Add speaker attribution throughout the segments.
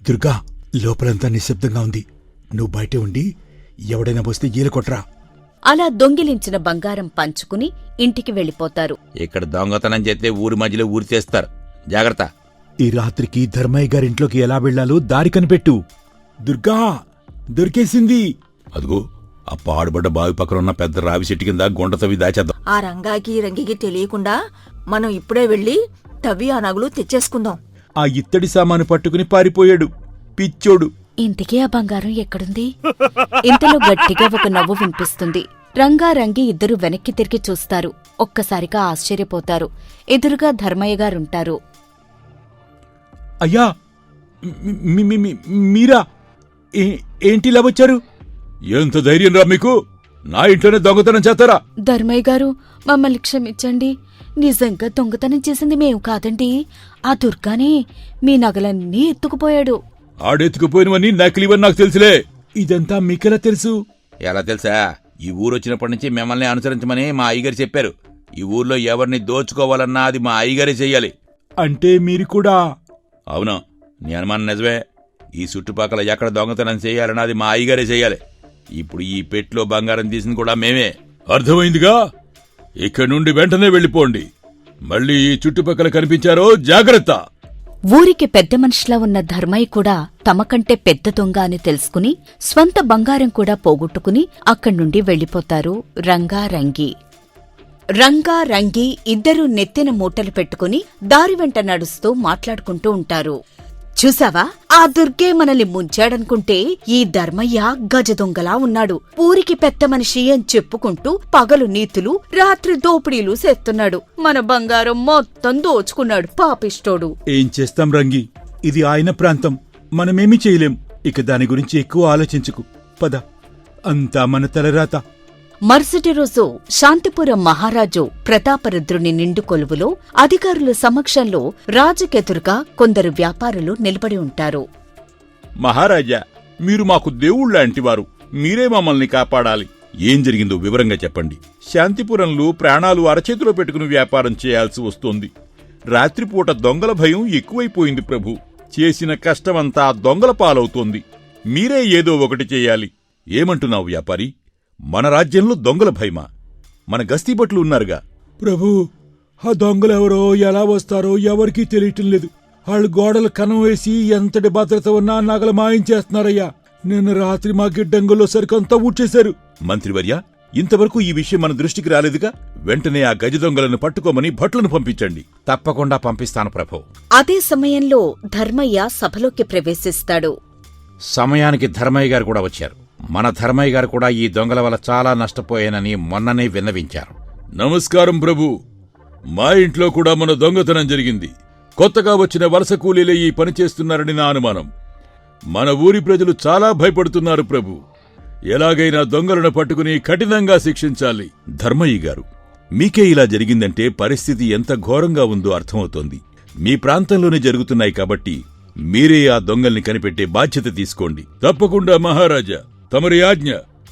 Speaker 1: దుర్గా, లోపలంతా నిశ్శబ్దంగా ఉంది. నువ్వు బయటే ఉండి ఎవడైనా వస్తే ఈల కొట్రా.
Speaker 2: అలా దొంగిలించిన బంగారం పంచుకుని ఇంటికి వెళ్ళిపోతారు.
Speaker 3: ఇక్కడ దొంగతనం చేస్తే ఊరి మధ్యలో ఊరి చేస్తారు. జాగ్రత్త.
Speaker 1: ఈ రాత్రికి ధర్మయ్య గారింట్లోకి ఎలా వెళ్లాలో దారి కనిపెట్టు. దుర్గా, దొరికేసింది.
Speaker 3: అదిగో ఆ పాడుబడ్డ బావి పక్కన ఉన్న పెద్ద రావి చెట్టు కింద గుంట తవ్వి దాచేద్దాం.
Speaker 4: ఆ రంగికి తెలియకుండా మనం ఇప్పుడే వెళ్ళి తవ్వి ఆ నగలు తెచ్చేసుకుందాం.
Speaker 1: ఆ ఇత్తడి సామాను పట్టుకుని పారిపోయాడు పిచ్చోడు.
Speaker 2: ఇంతకీ ఆ బంగారం ఎక్కడుంది? ఇంతలో గట్టిగా ఒక నవ్వు వినిపిస్తుంది. రంగారంగి ఇద్దరు వెనక్కి తిరిగి చూస్తారు. ఒక్కసారిగా ఆశ్చర్యపోతారు. ఎదురుగా ధర్మయ్య గారుంటారు.
Speaker 1: అయ్యా, మీరా? ఏంటిలా వచ్చారు?
Speaker 3: ఎంత ధైర్యం రా మీకు? నా ఇంట్లోనే దొంగతనం చేస్తారా?
Speaker 2: ధర్మయ్య గారు, మమ్మల్ని క్షమించండి. నిజంగా దొంగతనం చేసింది మేము కాదండి. ఆ దుర్గానే మీ నగలన్నీ ఎత్తుకుపోయాడు.
Speaker 3: ఆడెత్తుకుపోయినవన్నీ నకిలీవని నాకు తెలుసులే.
Speaker 1: ఇదంతా మీకెలా తెలుసు?
Speaker 3: ఎలా తెలుసా? ఈ ఊరొచ్చినప్పటి నుంచి మిమ్మల్ని అనుసరించమని మా అయ్యగారు చెప్పారు. ఈ ఊర్లో ఎవరిని దోచుకోవాలన్నా అది మా అయ్యగారే చెయ్యాలి.
Speaker 1: అంటే మీరు కూడా?
Speaker 3: అవును, నీ అనుమానం నిజమే. ఈ చుట్టుపక్కల ఎక్కడ దొంగతనం చేయాలన్నా అది మా అయ్యగారే చెయ్యాలి. ఇప్పుడు ఈ పెట్లో బంగారం తీసింది కూడా మేమే. అర్థమైందిగా? ఇక్కడి నుండి వెంటనే వెళ్ళిపోండి. మళ్ళీ ఈ చుట్టుపక్కల కనిపించారో జాగ్రత్త.
Speaker 2: ఊరికి పెద్ద మనిషిలా ఉన్న ధర్మయ్య కూడా తమకంటే పెద్ద దొంగ అని తెలుసుకుని స్వంత బంగారం కూడా పోగొట్టుకుని అక్కడ్నుండి వెళ్ళిపోతారు రంగారంగి. రంగారంగి ఇద్దరూ నెత్తిన మూటలు పెట్టుకుని దారి వెంట నడుస్తూ మాట్లాడుకుంటూ ఉంటారు. చూసావా, ఆ దుర్గే మనల్ని ముంచాడనుకుంటే ఈ ధర్మయ్య గజదొంగలా ఉన్నాడు. ఊరికి పెద్ద మనిషి అని చెప్పుకుంటూ పగలు నీతులు, రాత్రి దోపిడీలు చేస్తున్నాడు. మన బంగారం మొత్తం దోచుకున్నాడు పాపిష్టోడు.
Speaker 1: ఏం చేస్తాం రంగి, ఇది ఆయన ప్రాంతం, మనమేమీ చేయలేం. ఇక దాని గురించి ఎక్కువ ఆలోచించుకు. పద, అంతా మన తలరాత.
Speaker 2: మరుసటి రోజు శాంతిపురం మహారాజు ప్రతాపరుద్రుని నిండు కొలువులో అధికారుల సమక్షంలో రాజుకెదురుగా కొందరు వ్యాపారులు నిలబడి ఉంటారు.
Speaker 3: మహారాజా, మీరు మాకు దేవుళ్లాంటివారు. మీరే మమ్మల్ని కాపాడాలి. ఏం జరిగిందో వివరంగా చెప్పండి. శాంతిపురంలో ప్రాణాలు అరచేతిలో పెట్టుకుని వ్యాపారం చేయాల్సి వస్తోంది. రాత్రిపూట దొంగల భయం ఎక్కువైపోయింది ప్రభు. చేసిన కష్టమంతా దొంగల పాలవుతోంది. మీరే ఏదో ఒకటి చెయ్యాలి. ఏమంటున్నావు వ్యాపారి? మన రాజ్యంలో దొంగల భయమా? మన గస్తీభటులు ఉన్నారుగా.
Speaker 1: ప్రభూ, ఆ దొంగలెవరో ఎలా వస్తారో ఎవరికీ తెలియటం లేదు. వాళ్ళు గోడలు కనం వేసి ఎంతటి భద్రత ఉన్నా నగలు మాయించేస్తున్నారయ్యా. నిన్న రాత్రి మా గిడ్డంగుల్లో సరికంతా ఊడ్చేశారు.
Speaker 3: మంత్రివర్య, ఇంతవరకు ఈ విషయం మన దృష్టికి రాలేదుగా. వెంటనే ఆ గజ దొంగలను పట్టుకోమని భట్లను పంపించండి. తప్పకుండా పంపిస్తాను ప్రభు.
Speaker 2: అదే సమయంలో ధర్మయ్య సభలోకి ప్రవేశిస్తాడు.
Speaker 3: సమయానికి ధర్మయ్య గారు కూడా వచ్చారు. మన ధర్మయ్య గారు కూడా ఈ దొంగల వల్ల చాలా నష్టపోయానని మొన్ననే విన్నవించారు. నమస్కారం ప్రభు. మా ఇంట్లో కూడా మన దొంగతనం జరిగింది. కొత్తగా వచ్చిన వలస కూలీలే ఈ పని చేస్తున్నారని నా అనుమానం. మన ఊరి ప్రజలు చాలా భయపడుతున్నారు ప్రభు. ఎలాగైనా దొంగలను పట్టుకుని కఠినంగా శిక్షించాలి. ధర్మయ్య గారు, మీకే ఇలా జరిగిందంటే పరిస్థితి ఎంత ఘోరంగా ఉందో అర్థమవుతోంది. మీ ప్రాంతంలోనే జరుగుతున్నాయి కాబట్టి మీరే ఆ దొంగల్ని కనిపెట్టే బాధ్యత తీసుకోండి. తప్పకుండా మహారాజా, తమరి ఆజ్ఞ.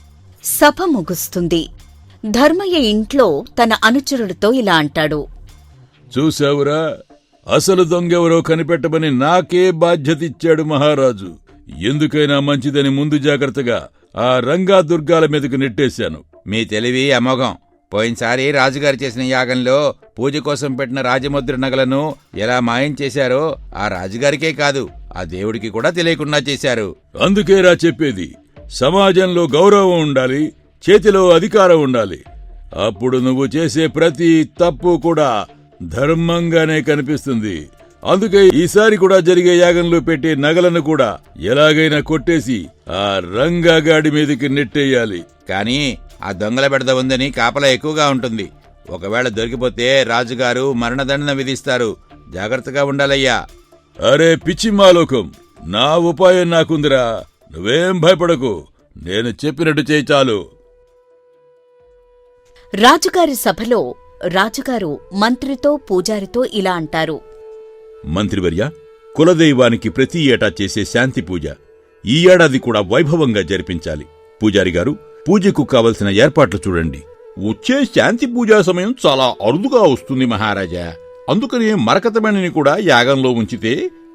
Speaker 2: సభ ముగుస్తుంది. ధర్మయ్య ఇంట్లో తన అనుచరుడితో ఇలా అంటాడు.
Speaker 3: చూశావురా, అసలు దొంగెవరో కనిపెట్టమని నాకే బాధ్యత ఇచ్చాడు మహారాజు. ఎందుకైనా మంచిదని ముందు జాగ్రత్తగా ఆ రంగా దుర్గాల మీదకు నెట్టేశాను. మీ తెలివి అమోఘం. పోయినసారి రాజుగారు చేసిన యాగంలో పూజ కోసం పెట్టిన రాజముద్ర నగలను ఎలా మాయం చేశారో ఆ రాజుగారికే కాదు, ఆ దేవుడికి కూడా తెలియకుండా చేశారు. అందుకేరా చెప్పేది, సమాజంలో గౌరవం ఉండాలి, చేతిలో అధికారం ఉండాలి. అప్పుడు నువ్వు చేసే ప్రతి తప్పు కూడా ధర్మంగానే కనిపిస్తుంది. అందుకే ఈసారి కూడా జరిగే యాగంలో పెట్టే నగలను కూడా ఎలాగైనా కొట్టేసి ఆ రంగాగాడి మీదకి నెట్టేయాలి. కాని ఆ దొంగల బెడద ఉందని కాపలా ఎక్కువగా ఉంటుంది. ఒకవేళ దొరికిపోతే రాజుగారు మరణదండన విధిస్తారు. జాగ్రత్తగా ఉండాలయ్యా. అరే పిచ్చి మాలోకం, నా ఉపాయం నాకుందిరా. నువ్వేం భయపడకు, నేను చెప్పినట్టు చేయి చాలు.
Speaker 2: రాజుగారి సభలో రాజుగారు మంత్రితో పూజారితో ఇలా అంటారు.
Speaker 3: మంత్రివర్య, కులదైవానికి ప్రతి ఏటా చేసే శాంతి పూజ ఈ ఏడాది కూడా వైభవంగా జరిపించాలి. పూజారిగారు, పూజకు కావలసిన ఏర్పాట్లు చూడండి. వచ్చే శాంతి పూజా సమయం చాలా అరుదుగా వస్తుంది మహారాజా. అందుకని మరకతమణిని కూడా యాగంలో ఉంచితే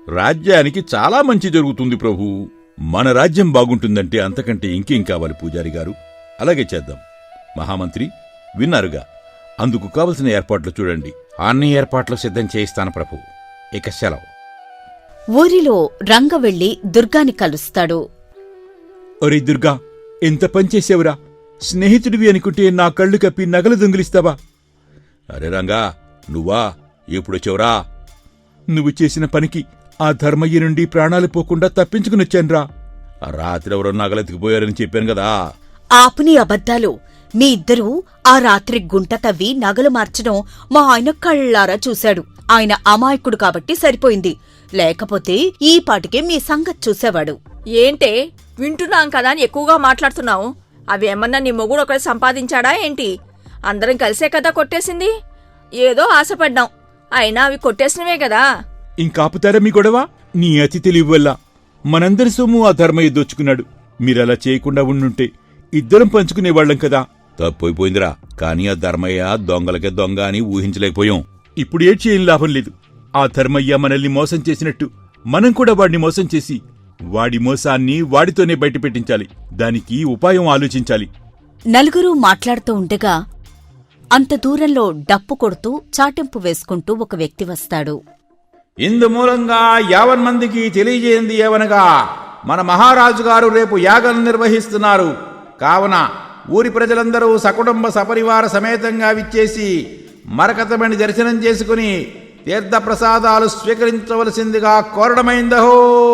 Speaker 3: రాజ్యానికి చాలా మంచి జరుగుతుంది ప్రభు. మన రాజ్యం బాగుంటుందంటే అంతకంటే ఇంకేం కావాలి పూజారి గారు? అలాగే చేద్దాం. మహామంత్రి విన్నారుగా, అందుకు కావలసిన ఏర్పాట్లు చూడండి.
Speaker 5: అన్ని ఏర్పాట్లు సిద్ధం చేయిస్తాను ప్రభు. ఇక సెలవు.
Speaker 2: ఊరిలో రంగ వెళ్లి దుర్గాని కలుస్తాడు.
Speaker 1: ఒరే దుర్గా, ఎంత పనిచేసావురా! స్నేహితుడివి అనుకుంటే నా కళ్ళు కప్పి నగలు దొంగిలిస్తావా?
Speaker 3: అరే రంగా, నువ్వా? ఎప్పుడొచ్చావురా?
Speaker 1: నువ్వు చేసిన పనికి ఆ ధర్మయ్య నుండి ప్రాణాలు పోకుండా తప్పించుకునొచ్చాన్రా.
Speaker 3: రాత్రి ఎవరో నగలెత్తుకుపోయారని చెప్పాను కదా.
Speaker 2: ఆపుని అబద్ధాలు. మీ ఇద్దరూ ఆ రాత్రి గుంట తవ్వి నగలు మార్చడం మా ఆయన కళ్ళారా చూశాడు. ఆయన అమాయకుడు కాబట్టి సరిపోయింది, లేకపోతే ఈ పాటికే మీ సంగతి చూసేవాడు.
Speaker 4: ఏంటే వింటున్నాం కదా అని ఎక్కువగా మాట్లాడుతున్నావు? అవి ఏమన్నా నీ మొగుడు ఒకటి సంపాదించాడా ఏంటి? అందరం కలిసే కదా కొట్టేసింది. ఏదో ఆశపడ్డాం, అయినా అవి కొట్టేసినవే కదా.
Speaker 1: ఇంకాపుతారా మీ గొడవ? నీ అతి తెలివి వల్ల మనందరి సొమ్ము ఆ ధర్మయ్య దోచుకున్నాడు. మీరలా చేయకుండా ఉండుంటే ఇద్దరం పంచుకునేవాళ్లం కదా.
Speaker 3: తప్పైపోయిందిరా. కాని ఆ ధర్మయ్య దొంగలకే దొంగ అని ఊహించలేకపోయాం.
Speaker 1: ఇప్పుడు ఏడ్చి ఏం లాభం లేదు. ఆ ధర్మయ్య మనల్ని మోసం చేసినట్టు మనం కూడా వాడిని మోసం చేసి వాడి మోసాన్ని వాడితోనే బయటపెట్టించాలి. దానికి ఉపాయం ఆలోచించాలి.
Speaker 2: నలుగురూ మాట్లాడుతూ ఉండగా అంత దూరంలో డప్పు కొడుతూ చాటింపు వేసుకుంటూ ఒక వ్యక్తి వస్తాడు.
Speaker 5: ఇందు మూలంగా 50 మందికి తెలియజేయంది ఏవనగా, మన మహారాజు గారు రేపు యాగం నిర్వహిస్తున్నారు. కావున ఊరి ప్రజలందరూ సకుటుంబ సపరివార సమేతంగా విచ్చేసి మరకతమణి దర్శనం చేసుకుని తీర్థప్రసాదాలు స్వీకరించవలసిందిగా కోరడమైందహో.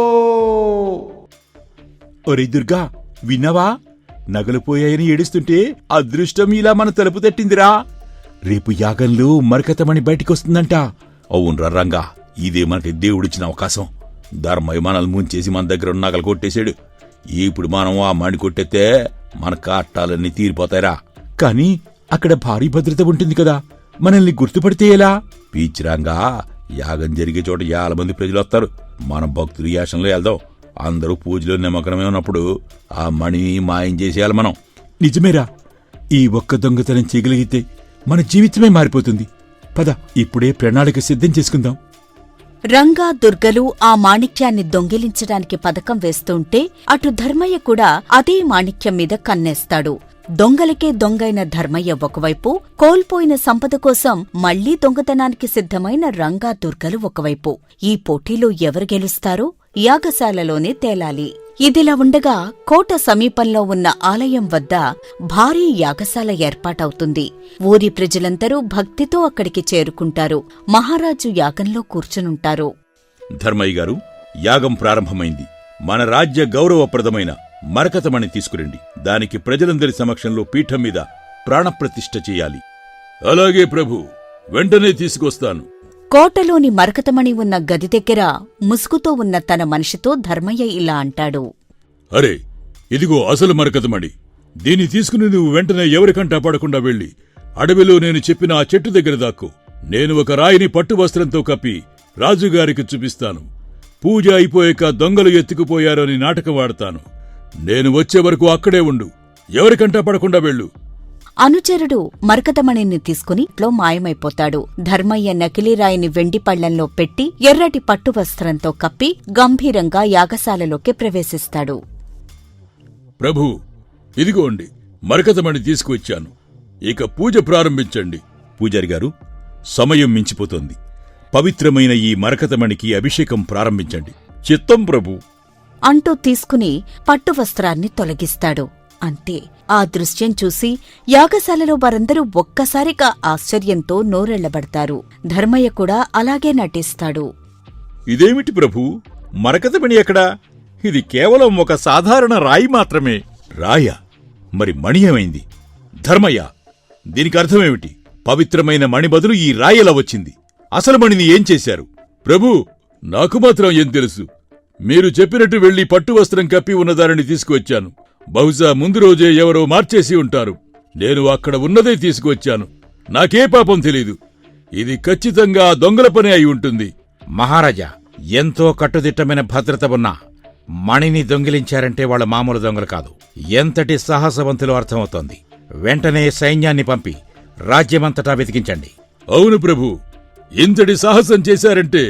Speaker 1: ఒరే దుర్గా, విన్నావా? నగలు పోయాయని ఏడుస్తుంటే అదృష్టం ఇలా మన తలుపు తట్టిందిరా. రేపు యాగంలో మరకతమణి బయటికొస్తుందంట.
Speaker 3: అవునరా రంగా, ఇదే మనకి దేవుడిచ్చిన అవకాశం. ధర్మయ్య మనల్ని ముంచేసి మన దగ్గర ఉన్న నగలు కొట్టేశాడు. ఇప్పుడు మనం ఆ మణి కొట్టేస్తే మన కాట్టాలన్నీ తీరిపోతాయిరా.
Speaker 1: కాని అక్కడ భారీ భద్రత ఉంటుంది కదా, మనల్ని గుర్తుపడితే ఎలా?
Speaker 3: పీచిరాంగా, యాగం జరిగే చోట 50 మంది ప్రజలు వస్తారు. మనం భక్తులు యాసంలో వెళ్దాం. అందరూ పూజలో నిమగ్నమే ఉన్నప్పుడు ఆ మణిని మాయం చేసేయాలి మనం.
Speaker 1: నిజమేరా. ఈ ఒక్క దొంగతనం చేయగలిగితే మన జీవితమే మారిపోతుంది. పద, ఇప్పుడే ప్రణాళిక సిద్ధం చేసుకుందాం.
Speaker 2: రంగా దుర్గలు ఆ మాణిక్యాన్ని దొంగిలించడానికి పథకం వేస్తుంటే అటు ధర్మయ్య కూడా అదే మాణిక్యం మీద కన్నేస్తాడు. దొంగలకే దొంగైన ధర్మయ్య ఒకవైపు, కోల్పోయిన సంపద కోసం మళ్లీ దొంగతనానికి సిద్ధమైన రంగా దుర్గలు ఒకవైపు. ఈ పోటీలో ఎవరు గెలుస్తారో యాగశాలలోనే తేలాలి. ఇదిలా ఉండగా కోట సమీపంలో ఉన్న ఆలయం వద్ద భారీ యాగశాల ఏర్పాటవుతుంది. ఊరి ప్రజలందరూ భక్తితో అక్కడికి చేరుకుంటారు. మహారాజు యాగంలో కూర్చునుంటారు.
Speaker 3: ధర్మయ్య గారు, యాగం ప్రారంభమైంది. మన రాజ్య గౌరవప్రదమైన మరకతమణి తీసుకురండి. దానికి ప్రజలందరి సమక్షంలో పీఠం మీద ప్రాణప్రతిష్ఠ చెయ్యాలి. అలాగే ప్రభు, వెంటనే తీసుకొస్తాను.
Speaker 2: కోటలోని మరకతమణి ఉన్న గది దగ్గర ముసుగుతో ఉన్న తన మనిషితో ధర్మయ్య ఇలా అంటాడు.
Speaker 3: అరే, ఇదిగో అసలు మరకతమణి. దీన్ని తీసుకుని నువ్వు వెంటనే ఎవరికంటా పడకుండా వెళ్ళి అడవిలో నేను చెప్పిన ఆ చెట్టు దగ్గర దాక్కో. నేను ఒక రాయిని పట్టు వస్త్రంతో కప్పి రాజుగారికి చూపిస్తాను. పూజ అయిపోయాక దొంగలు ఎత్తుకుపోయారని నాటకం వాడతాను. నేను వచ్చే వరకు అక్కడే ఉండు. ఎవరికంటా పడకుండా వెళ్ళు.
Speaker 2: అనుచరుడు మరకతమణిని తీసుకుని ఇంట్లో మాయమైపోతాడు. ధర్మయ్య నకిలీరాయిని వెండి పళ్లంలో పెట్టి ఎర్రటి పట్టు వస్త్రంతో కప్పి గంభీరంగా యాగశాలలోకి ప్రవేశిస్తాడు.
Speaker 3: ప్రభు, ఇదిగోండి మరకతమణి తీసుకువచ్చాను. ఇక పూజ ప్రారంభించండి. పూజారి గారు, సమయం మించిపోతోంది. పవిత్రమైన ఈ మరకతమణికి అభిషేకం ప్రారంభించండి. చిత్తం ప్రభు
Speaker 2: అంటూ తీసుకుని పట్టువస్త్రాన్ని తొలగిస్తాడు. అంతే. ఆ దృశ్యం చూసి యాగశాలలో వారందరూ ఒక్కసారిగా ఆశ్చర్యంతో నోరెళ్లబడతారు. ధర్మయ్య కూడా అలాగే నటిస్తాడు.
Speaker 3: ఇదేమిటి ప్రభు, మరకతమణి ఎక్కడా? ఇది కేవలం ఒక సాధారణ రాయి మాత్రమే. రాయా? మరి మణి ఏమైంది? ధర్మయ్య, దీనికి అర్థమేమిటి? పవిత్రమైన మణి బదులు ఈ రాయి ఎలా వచ్చింది? అసలు మణిని ఏం చేశారు? ప్రభు, నాకు మాత్రం ఏం తెలుసు. మీరు చెప్పినట్టు వెళ్లి పట్టువస్త్రం కప్పి ఉన్నదానిని తీసుకువచ్చాను. బహుశా ముందు రోజే ఎవరో మార్చేసి ఉంటారు. నేను అక్కడ ఉన్నదే తీసుకువచ్చాను. నాకే పాపం తెలీదు. ఇది ఖచ్చితంగా దొంగల పని అయి ఉంటుంది.
Speaker 5: మహారాజా, ఎంతో కట్టుదిట్టమైన భద్రత ఉన్నా మణిని దొంగిలించారంటే వాళ్ళ మామూలు దొంగలు కాదు. ఎంతటి సాహసవంతులు అర్థమవుతోంది. వెంటనే సైన్యాన్ని పంపి రాజ్యమంతటా వెతికించండి.
Speaker 3: అవును ప్రభు, ఇంతటి సాహసం చేశారంటే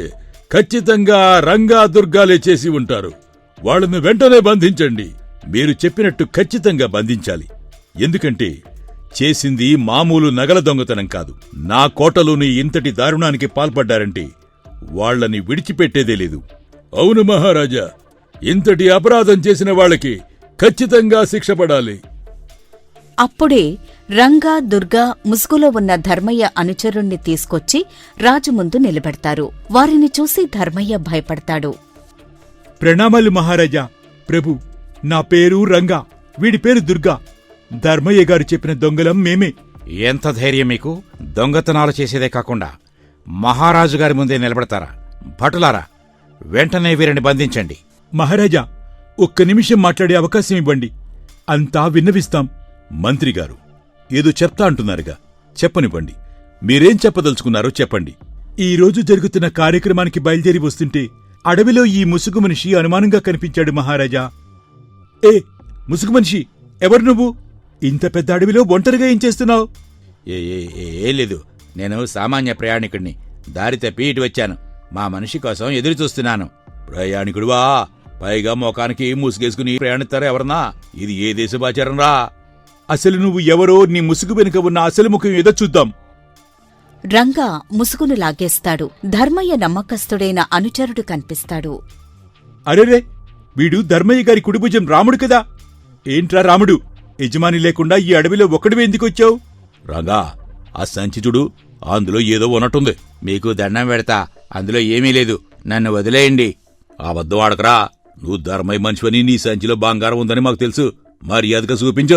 Speaker 3: ఖచ్చితంగా రంగా దుర్గాలే చేసి ఉంటారు. వాళ్ళను వెంటనే బంధించండి. మీరు చెప్పినట్టు ఖచ్చితంగా బంధించాలి. ఎందుకంటే చేసింది మామూలు నగల దొంగతనం కాదు. నా కోటలోని ఇంతటి దారుణానికి పాల్పడ్డారంటే వాళ్లని విడిచిపెట్టేదే లేదు. అవును మహారాజా, ఇంతటి అపరాధం చేసిన వాళ్ళకి ఖచ్చితంగా శిక్ష పడాలి.
Speaker 2: అప్పుడే రంగా దుర్గా ముసుగులో ఉన్న ధర్మయ్య అనుచరుణ్ణి తీసుకొచ్చి రాజు ముందు నిలబెడతారు. వారిని చూసి ధర్మయ్య భయపడతాడు.
Speaker 1: ప్రణామాలు మహారాజా. ప్రభు, నా పేరు రంగా, వీడి పేరు దుర్గా. ధర్మయ్య గారు చెప్పిన దొంగలం మేమే.
Speaker 5: ఎంత ధైర్యం మీకు? దొంగతనాలు చేసేదే కాకుండా మహారాజు గారి ముందే నిలబడతారా? భటులారా, వెంటనే వీరిని బంధించండి.
Speaker 1: మహారాజా, ఒక్క నిమిషం మాట్లాడే అవకాశం ఇవ్వండి. అంతా విన్నవిస్తాం.
Speaker 3: మంత్రిగారు ఏదో చెప్తా అంటున్నారుగా, చెప్పనివ్వండి. మీరేం చెప్పదలుచుకున్నారో చెప్పండి.
Speaker 1: ఈ రోజు జరుగుతున్న కార్యక్రమానికి బయలుదేరి వస్తుంటే అడవిలో ఈ ముసుగు మనిషి అనుమానంగా కనిపించాడు మహారాజా. ఏ ముసుగు మనిషి, ఎవరు నువ్వు? ఇంత పెద్ద అడవిలో ఒంటరిగా ఏం చేస్తున్నావు?
Speaker 5: ఏ లేదు, నేను సామాన్య ప్రయాణికుడిని. దారి తప్పి ఇటు వచ్చాను. మా మనిషి కోసం ఎదురు చూస్తున్నాను.
Speaker 3: ప్రయాణికుడువా? పైగా మోకానికి ముసుగేసుకుని ప్రయాణిస్తారా ఎవరన్నా? ఇది ఏ దేశపాచారం రా?
Speaker 1: అసలు నువ్వు ఎవరో, నీ ముసుగు వెనుక ఉన్న అసలు ముఖం ఏదో చూద్దాం.
Speaker 2: రంగా ముసుగును లాగేస్తాడు. ధర్మయ్య నమ్మకస్తుడైన అనుచరుడు కనిపిస్తాడు.
Speaker 1: అరెరే, వీడు ధర్మయ్య గారి కుడిభుజం రాముడు కదా. ఏంట్రా రాముడు, యజమాని లేకుండా ఈ అడవిలో ఒక్కడివే ఎందుకొచ్చావు?
Speaker 3: రంగా, ఆ సంచి చూడు, అందులో ఏదో ఉన్నట్టుంది.
Speaker 5: మీకు దండం పెడతా, అందులో ఏమీ లేదు. నన్ను వదిలేయండి.
Speaker 3: అబద్ధం ఆడకరా. నువ్వు ధర్మయ్య మనిషివని, నీ సంచిలో బంగారం ఉందని మాకు తెలుసు. మర్యాదగా చూపించు.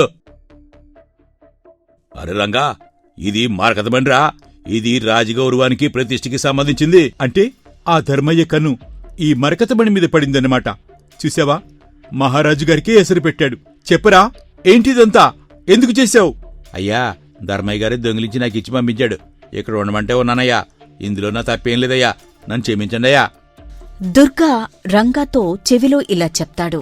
Speaker 3: అరే రంగా, ఇది మార్కత బండిరా. ఇది రాజగౌరవానికి ప్రతిష్ఠకి సంబంధించింది.
Speaker 1: అంటే ఆ ధర్మయ్య కన్ను ఈ మరకతమణి మీద పడిందన్నమాట. చూసావా, మహారాజు గారికే ఎసరు పెట్టాడు. చెప్పరా, ఏంటిదంతా? ఎందుకు చేశావు?
Speaker 5: అయ్యా, ధర్మయ్య గారి దొంగిలించి నాకు ఇచ్చి పంపించాడు. ఇక్కడ ఉండమంటే ఉన్నానయ్యా. ఇందులో నా తప్పేం లేదయ్యా. నన్ను క్షమించండి అయ్యా.
Speaker 2: దుర్గా రంగాతో చెవిలో ఇలా చెప్తాడు.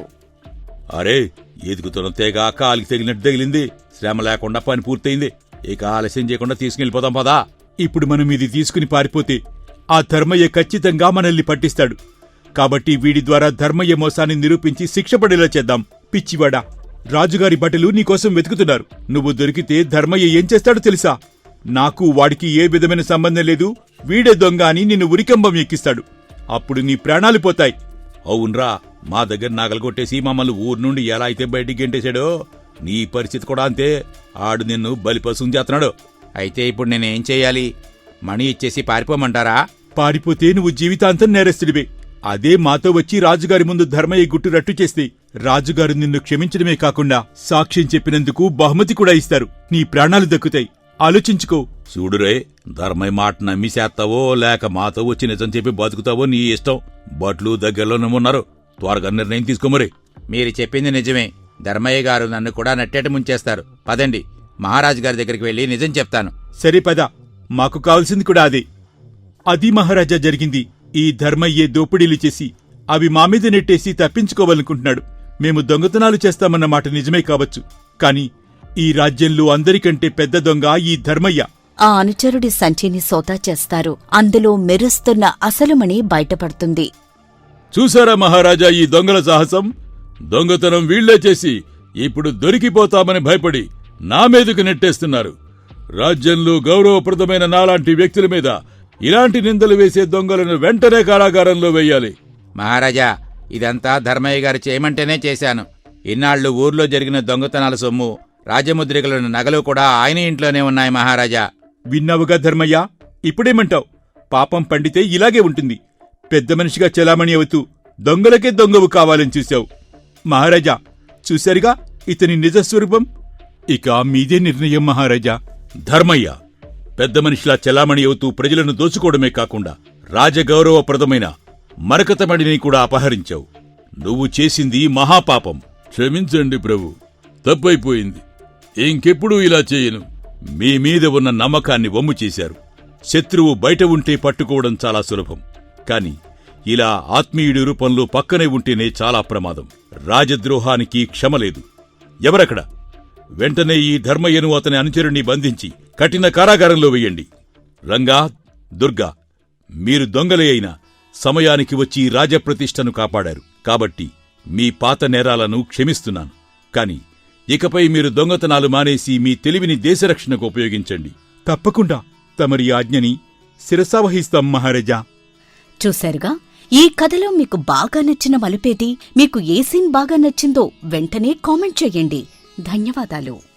Speaker 3: అరే, ఎదుగుతున్న తేగ కాలికి తగిలినట్టు తగిలింది. శ్రమ లేకుండా పని పూర్తయింది. ఇక ఆలస్యం చేయకుండా తీసుకెళ్ళిపోతాం పదా.
Speaker 1: ఇప్పుడు మనం ఇది తీసుకుని పారిపోతే ఆ ధర్మయ్య ఖచ్చితంగా మనల్ని పట్టిస్తాడు. కాబట్టి వీడి ద్వారా ధర్మయ్య మోసాన్ని నిరూపించి శిక్ష పడేలా చేద్దాం. పిచ్చివాడా, రాజుగారి బట్టలు నీకోసం వెతుకుతున్నారు. నువ్వు దొరికితే ధర్మయ్య ఏం చేస్తాడో తెలుసా? నాకు వాడికి ఏ విధమైన సంబంధం లేదు, వీడే దొంగ అని నిన్ను ఉరికంబం ఎక్కిస్తాడు. అప్పుడు నీ ప్రాణాలు పోతాయి.
Speaker 3: అవునరా, మా దగ్గర నగలు కొట్టేసి మమ్మల్ని ఊరు నుండి ఎలా అయితే బయటికి గెంటేశాడో, నీ పరిస్థితి కూడా అంతే. ఆడు నిన్ను బలిపశుం చేస్తున్నాడు.
Speaker 5: అయితే ఇప్పుడు నేనేం చెయ్యాలి? మణి ఇచ్చేసి పారిపోమంటారా?
Speaker 1: పారిపోతే నువ్వు జీవితాంతం నేరస్తుడివే. అదే మాతో వచ్చి రాజుగారి ముందు ధర్మయ్య గుట్టు రట్టు చేస్తే రాజుగారు నిన్ను క్షమించడమే కాకుండా సాక్ష్యం చెప్పినందుకు బహుమతి కూడా ఇస్తారు. నీ ప్రాణాలు దక్కుతాయి. ఆలోచించుకో.
Speaker 3: చూడురే, ధర్మయ్య మాట నమ్మి చేస్తావో లేక మాతో వచ్చి నిజం చెప్పి బతుకుతావో నీ ఇష్టం. బట్లు దగ్గరలోనే ఉన్నారు. త్వరగా నిర్ణయం తీసుకోమరి.
Speaker 5: మీరు చెప్పింది నిజమే. ధర్మయ్య గారు నన్ను కూడా నట్టేట ముంచేస్తారు. పదండి, మహారాజు గారి దగ్గరికి వెళ్లి నిజం చెప్తాను.
Speaker 1: సరే పద, మాకు కావాల్సింది కూడా అదే. అది మహారాజా జరిగింది. ఈ ధర్మయ్యే దోపిడీలు చేసి అవి మా మీద నెట్టేసి తప్పించుకోవాలనుకుంటున్నాడు. మేము దొంగతనాలు చేస్తామన్న మాట నిజమే కావచ్చు, కాని ఈ రాజ్యంలో అందరికంటే పెద్ద దొంగ ఈ ధర్మయ్య.
Speaker 2: ఆ అనుచరుడి సంచిని సోదా చేస్తారు. అందులో మెరుస్తున్న అసలుమణి బయటపడుతుంది.
Speaker 3: చూసారా మహారాజా ఈ దొంగల సాహసం? దొంగతనం వీళ్లే చేసి ఇప్పుడు దొరికిపోతామని భయపడి నా మీదకు నెట్టేస్తున్నారు. రాజ్యంలో గౌరవప్రదమైన నాలాంటి వ్యక్తుల మీద ఇలాంటి నిందలు వేసే దొంగలను వెంటనే కారాగారంలో వెయ్యాలి.
Speaker 5: మహారాజా, ఇదంతా ధర్మయ్య గారు చేయమంటేనే చేశాను. ఇన్నాళ్లు ఊర్లో జరిగిన దొంగతనాల సొమ్ము, రాజముద్రికలను నగలు కూడా ఆయన ఇంట్లోనే ఉన్నాయి మహారాజా.
Speaker 1: విన్నావుగా ధర్మయ్య, ఇప్పుడేమంటావు? పాపం పండితే ఇలాగే ఉంటుంది. పెద్ద మనిషిగా చెలామణి అవుతూ దొంగలకే దొంగవు కావాలని చూశావు. మహారాజా, చూశారుగా ఇతని నిజస్వరూపం. ఇక మీదే నిర్ణయం మహారాజా.
Speaker 3: ధర్మయ్య పెద్ద మనిషిలా చెలామణి అవుతూ ప్రజలను దోచుకోవడమే కాకుండా రాజగౌరవప్రదమైన మరకతమణిని కూడా అపహరించావు. నువ్వు చేసింది మహాపాపం. క్షమించండి ప్రభు, తప్పైపోయింది. ఇంకెప్పుడూ ఇలా చేయను. మీ మీద ఉన్న నమ్మకాన్ని వమ్ము చేశారు. శత్రువు బయట ఉంటే పట్టుకోవడం చాలా సులభం, కాని ఇలా ఆత్మీయుడి రూపంలో పక్కనే ఉంటేనే చాలా ప్రమాదం. రాజద్రోహానికి క్షమలేదు. ఎవరక్కడ? వెంటనే ఈ ధర్మయ్యను అతని అనుచరుణ్ణి బంధించి కఠిన కారాగారంలో వెయ్యండి. రంగా, దుర్గా, మీరు దొంగలే అయినా సమయానికి వచ్చి రాజప్రతిష్టను కాపాడారు. కాబట్టి మీ పాత నేరాలను క్షమిస్తున్నాను. కాని ఇకపై మీరు దొంగతనాలు మానేసి మీ తెలివిని దేశరక్షణకు ఉపయోగించండి.
Speaker 1: తప్పకుండా తమరి ఆజ్ఞని శిరసావహిస్తాం మహారాజా.
Speaker 2: చూశారుగా, ఈ కథలో మీకు బాగా నచ్చిన మలుపేది, మీకు ఏ సీన్ బాగా నచ్చిందో వెంటనే కామెంట్ చెయ్యండి. ధన్యవాదాలు.